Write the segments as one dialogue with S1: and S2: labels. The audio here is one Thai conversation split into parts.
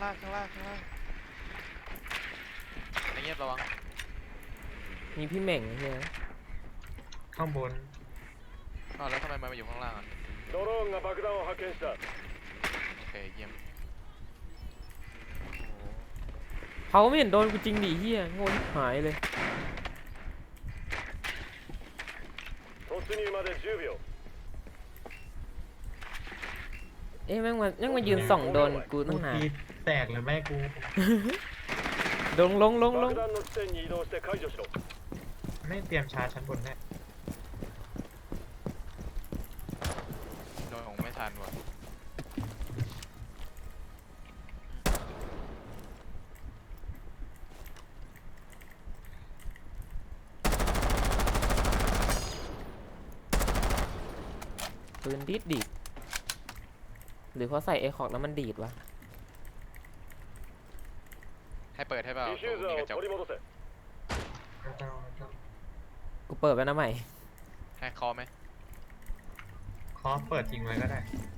S1: ล่างไอ้เงียบระวัง
S2: มีพี่เหม่งใช่ไหม
S3: ข้างบน
S1: อ้าวแล้วทำไมมันมาอยู่ข้างล่างอ่ะโอเคเยี่ยม
S2: เขาไม่เห็นโดนกูจริงดิเฮียโง่หายเลยเอ๊ะแม่งมายืนส่องโดนกูตั้งนาน
S3: แตกเลยแม่กู
S2: ลง
S3: ไม่เตรียมชาร์จชั้นบนแน่
S1: โดนของไม่ทันว่ะ
S2: ปืนดีดหรือเขาใส่เอคอกแล้วมันดีดวะ
S1: ให้เปิดให้เปล่ามีกระจก
S2: กูเปิดไปนะใหม่
S1: ให้คอไหม
S3: คอเปิดทิ้งไว้ก็ได้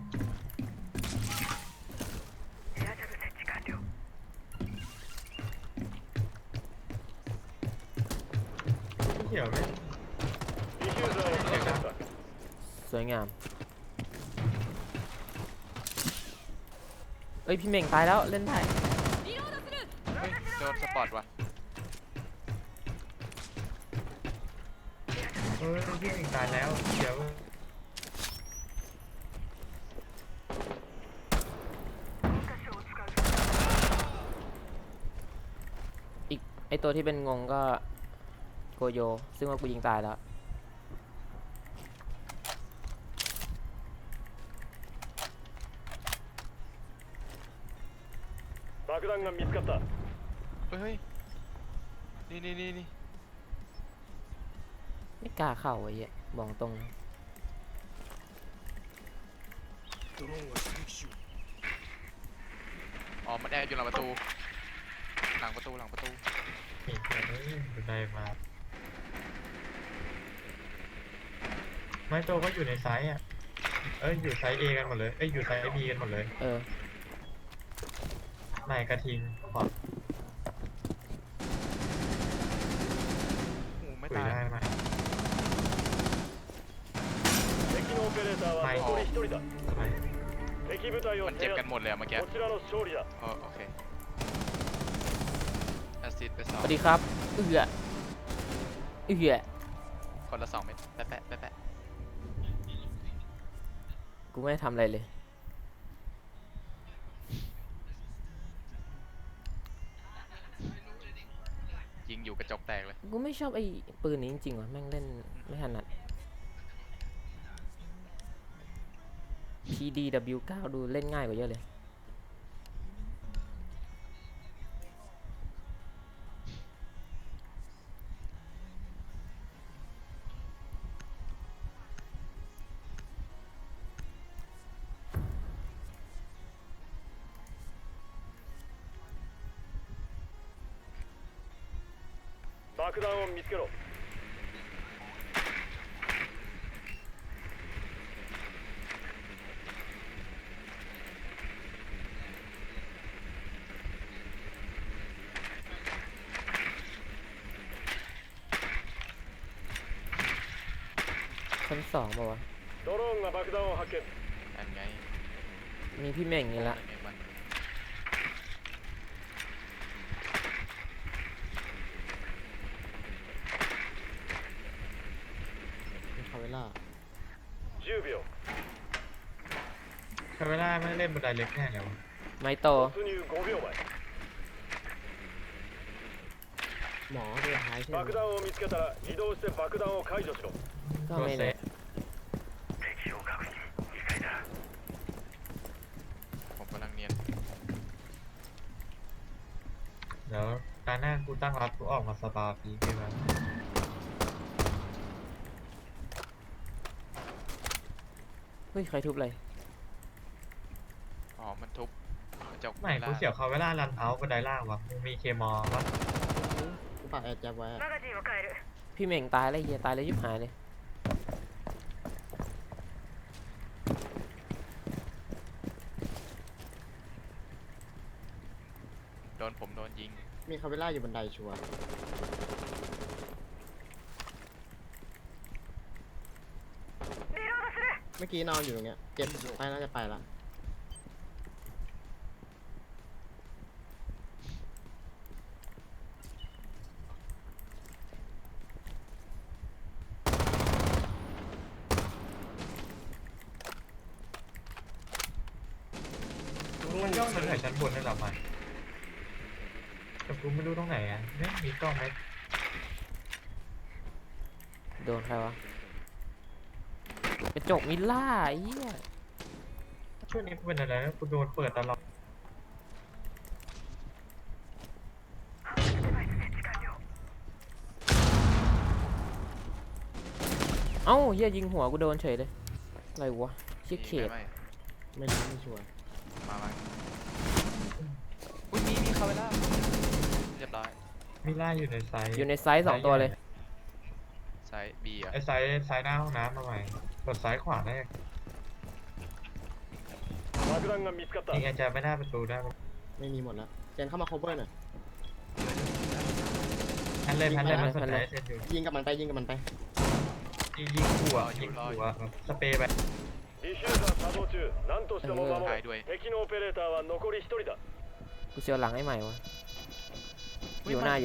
S3: เขียวเลย
S2: สวยงามเอ้ยพี่เหม่งตายแล้วเล่นได้
S1: เฮ้ยโดนสปอร์ตว่ะ
S3: พี่ถึงตายแล้วเดี๋ยว
S2: อีกไอตัวที่เป็นงงก็โกโยซึ่งว่ากูยิงตายแล้ว
S1: เฮ้ยนี่
S2: ไม่กล้าเข้าไอ้เหี้ยบอกตรง
S1: อ๋อมันแอบอยู่หลังประตูหลังประตู
S3: อีกแล้วบันไดมาไม่โตก็อยู่ในไซส์อ่ะอยู่ไซส์ A กันหมดเลยอยู่ไซส์ B กันหมดเลยนายกระทิงขอ
S1: ไม่
S3: คุย
S1: ตาย
S3: ได้ไหมไม่
S1: มันเจ็บกันหมดเลยเมื่อกี้โอเคแอสซิดไป2
S2: สวัสดีครับเอื้อ
S1: คนละ2 เม็ดแปะ
S2: กูไม่ทำอะไรเลย
S1: ยิงอยู่กระจกแตกเลย
S2: กูไม่ชอบไอ้ปืนนี้จริงๆว่ะแม่งเล่นไม่ถนัด PDW9 ดูเล่นง่ายกว่าเยอะเลย
S4: 爆弾を見つけろ
S2: ชั้น2ป่าวะ
S4: ドローンが爆弾を発見
S1: นั่นไง
S2: มีพี่เหม่งนี่ละ
S3: คาเวล่า10秒คาเวล่าไม่เล่นบันไดเล็กแน่เลยวะ
S2: ไมโต
S3: หมอตัวท้ายใช่ไหม
S4: 爆弾を見つけたら移動して爆弾を解除しろ
S2: ก็ไม่แน่
S1: ผมกำลังเนียน
S3: เดี๋ยวตาหน้ากูตั้งรับกูออกมาสปาพีใช่ไหม
S2: เฮ้ยใครทุบอะไร
S1: อ๋อมันทุบกระจก
S3: ไม่กูเสียวเขาเวลารันเอาบันไดล่างวะมึงมีเคมอลวะกูปักแอร์จับไว้
S2: พี่เหม่งตายแล้วเฮียตายแล้วยิบหายเลย
S1: ยิง
S5: มีคาเวล่าอยู่บันไดชัวร์เมื่อกี้นอนอยู่ตรงเนี้ยเจ็บไปน่าจะไปละ
S3: มันย่องมาจากชั้นบนนั่นแหละมันแต่กูไม่รู้ตรงไหนอ่ะเนี่ยมีกล้องไหม
S2: โดนใครวะกระจกมิลล่าไอ้เหี้ย
S3: ช่วงนี้กูเป็นอะไรนะกูโดนเปิดตลอด
S2: เอ้าเหี้ยยิงหัวกูโดนเฉยเลยอะไรวะเชี่ยเขต
S1: ไม่
S5: ไม่รู้ไม่ชัวร์
S1: มาอุ้ยมีคาเวล่าเรียบร้อย
S3: มิล่าอยู่ในไซส์
S2: อยู่ในไซส์2 ตัวเลย
S1: ไซส์บีอ่ะ
S3: ไอ้ไซส์หน้าห้องน้ำมาใหม่กดซ้ายขวาได้
S4: 爆弾が見つかった
S3: ยิงอาจารย์ไม่ได้ประตูได้
S5: ไม่มีหมดแล้วเจนเข้ามา cover หน่อย
S3: พันเลยมันสนใจเซนอยู่
S5: ยิงกับมันไปยิงกับมันไป
S3: ยิงหัวสเปรย์ไป
S4: ディフューザー作動中何としても守
S1: ตาย
S4: れ
S1: ด้วย
S4: 敵のオペレーターは残り1人だ
S2: กูเสียวหลังไอ้ใหม่วะอยู่หน้า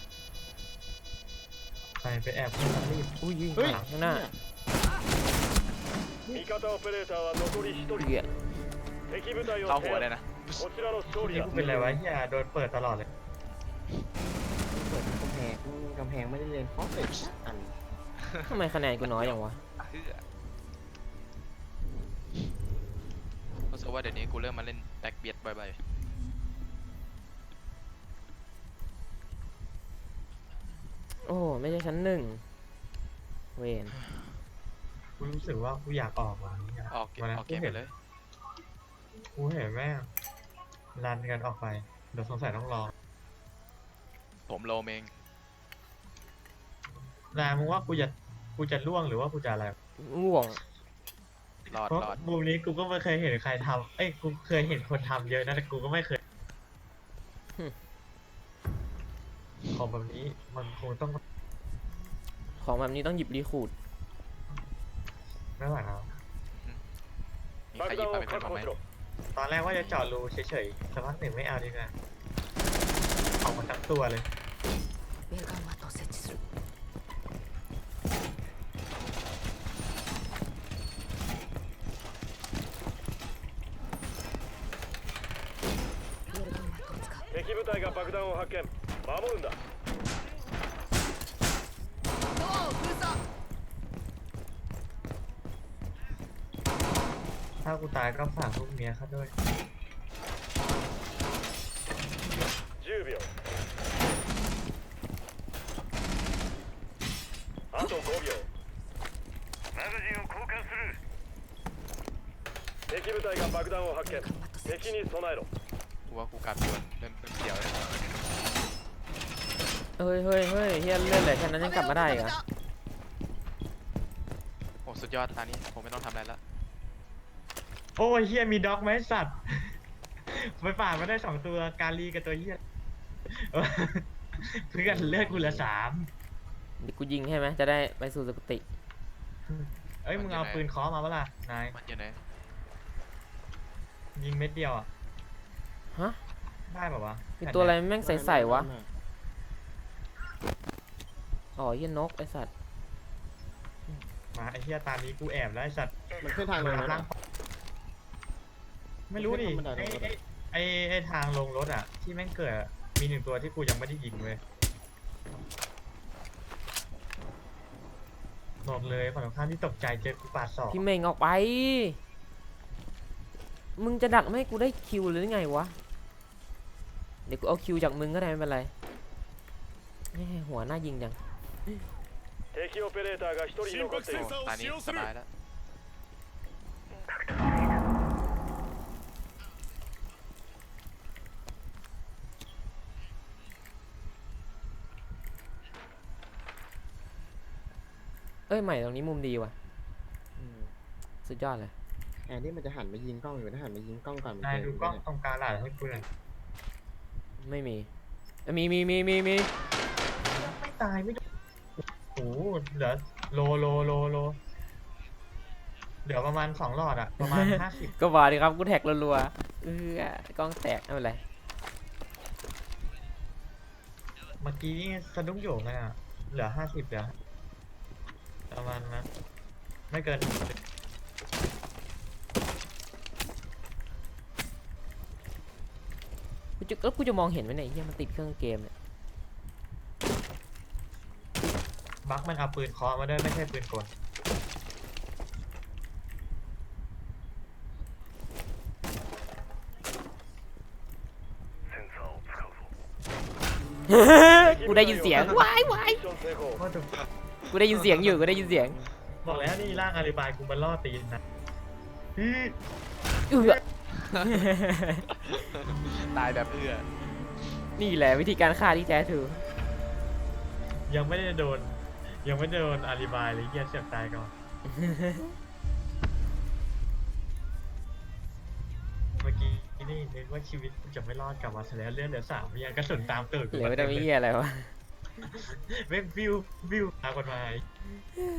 S3: ไปแอบยิงรีบ
S2: อุ้ยยิง
S5: เฮ้ย
S2: ข้างหน้า
S4: 味方オペレーターは残り1人
S2: เหี้ย
S4: 敵部隊を
S1: เข้า
S4: 制
S1: หัวเลย
S4: 圧
S1: นะ
S4: こちらの勝利
S3: นี่
S4: だ
S3: กูเป็นอะไรวะเฮียโดนเปิดตลอดเลย
S5: เปิดกำแพงไม่ได้เรียนเพราะเป็ดอัน
S2: ทำไมคะแนนกูน้อยอย่างวะ
S1: รู้สึกว่าเดี๋ยวนี้กูเริ่มมาเล่นแบ็กเบียดบ่อย
S2: โอ้ไม่ใช่ชั้น 1เวน
S3: กูรู้สึกว่ากูอยากออกว่ะ
S1: ๆออกเกมไปเลย
S3: กูเห็นแม่งรันกันออกไปเดี๋ยวสงสัยต้องรอ
S1: ผมโลเอง
S3: นามึงว่ากูจะล่วงหรือว่ากูจะอะไร
S2: ง่วง
S1: รอด
S3: เพราะ
S1: รอด
S3: มุมนี้กูก็ไม่เคยเห็นใครทำกูเคยเห็นคนทำเยอะนะแต่กูก็ไม่เคยของแบบนี้มันคงต้อง
S2: ของแบบนี้ต้องหยิบรีคูด
S3: ไม่ไหวแล้ว
S1: มีใคร
S4: 爆
S1: หยิบ
S4: 弾
S1: มา
S4: を
S1: เป็นคน
S4: 確
S1: บ้าง
S4: 保
S1: ไหม
S4: しろ
S3: ตอนแรกว่าจะเจาะรูเฉยๆสักพักหนึ่งไม่เอาดีกว่าออกมาทั้งตัวเลย
S6: ベルガンマットを設置する。ベルガンマットを使う。
S4: 敵部隊が爆弾を発見守るんだ
S6: ドアを封鎖。
S3: ถ้ากูตายก็ฝากลูกเมียเขาด้วย
S4: 10秒あと5秒マガジンを交換する敵部隊が爆弾を発見
S6: ベルガンマット設置。
S4: 敵に備えろ
S1: กูว่ากูกลับดวนเริ่มเสียวแล้ว
S2: เฮ้ยเฮียเลื่อนเลยแค่นั้นยังกลับมาได้อีกเหรอ
S1: โอ้สุดยอดตอนนี้ผมไม่ต้องทำอะไรแล้ว
S3: โอ้ยเฮียมีด็อกไหมสัตว์ ไปป่าดมาได้2ตัวการีกับตัวเฮีย เพื่อนเลือดกูเหลือ3
S2: เดี๋ยวกูยิงให้ไหมจะได้ไปสู่สุคติ
S3: เอ้ยมึงเอาปืนเคอมาปะล่ะนาย
S1: มันอยู่ไหน
S3: ยิงเม็ดเดียวอ่ะ
S2: ฮะ
S3: ได้ป่าวะ
S2: มีตัวอะไรแม่งใสๆวะอ๋อเฮียนกไอสัตว์
S3: มาไอ้เฮียตามนี้กูแอบแล้วไอ้สัตว์
S5: มันขึ้นทางลงแล้ว
S3: ล่างไม่รู้ดิ
S5: มันขึ้นทางบันไดลงรถอะ
S3: ไอ้ทางลงรถอ่ะ ที่แม่งเกิดอะมี1ตัวที่กูยังไม่ได้ยิงเว้ยบอกเลยฝั่งตรงข้ามที่ตกใจเจอกูปาดศอก
S2: พี่เมงออกไป มึงจะดักไม่ให้กูได้คิวหรือไงวะ เดี๋ยวกูเอาคิวจากมึงก็ได้ไม่เป็นไรแม่หัวหน้ายิงจัง
S4: 敵オペレーターが1人残っている
S1: โอ้ตอนนี้สบายแล้ว
S2: เอ้ยใหม่ตรงนี้มุมดีว่ะ
S5: อืม
S2: สุดยอดเลย
S5: แอนนี่มันจะหันไปยิงกล้องอยู่ถ้าหันไปยิงกล้องก่อนมัน
S3: นาย
S5: จะ
S3: ดูกล้องตรงกลางหลาดให้กูหน่อย
S2: ไม่มีมี
S3: ไม่ตายไม่โดนโอ้โหเหลือโลเหลือประมาณ2 หลอดอะประมาณ 50
S2: ก็บอกดิครับกูแท็กรัวๆกล้องแตกไม่เป็นไร
S3: เมื่อกี้นี่สะดุ้งโหยงกันอะเหลือ 50เหลือประมาณนั้นไม่เกิน
S2: แล้วกูจะมองเห็นไหมเนี่ยไอ้เหี้ยมันติดเครื่องเกมเนี่ย
S3: บักมันเอาปืนเคาะมาด้วยไม่ใช่ปืนกล
S4: センサーを使うぞ
S2: กูได้ยินเสียงว้าย
S4: ミッション成功
S3: ว่าจะ
S2: กูได้ยินเสียงอยู่กูได้ยินเสียง
S3: บอกแล้วนี่ร่างอาริบายกูมันล่อตีนนะอื้อ
S2: เอื้อ
S1: ตายแบบเอื้อ
S2: นี่แหละวิธีการฆ่าที่แท้ทรู
S3: ยังไม่ได้โดนอาริบายเลยเหี้ยเสียบตายก่อน เมื่อกี้นี่นึกว่าชีวิตกูจะไม่รอดกลับมาซะแล้วเลือดเหลือ3ยังกระสุนตามตูดกู
S2: เหลือ
S3: มา
S2: ไม่
S3: เต็
S2: ได้
S3: ม
S2: ไม่
S3: เลย
S2: เหี้ยอะไรวะ
S3: แม่งวิวตามคนมา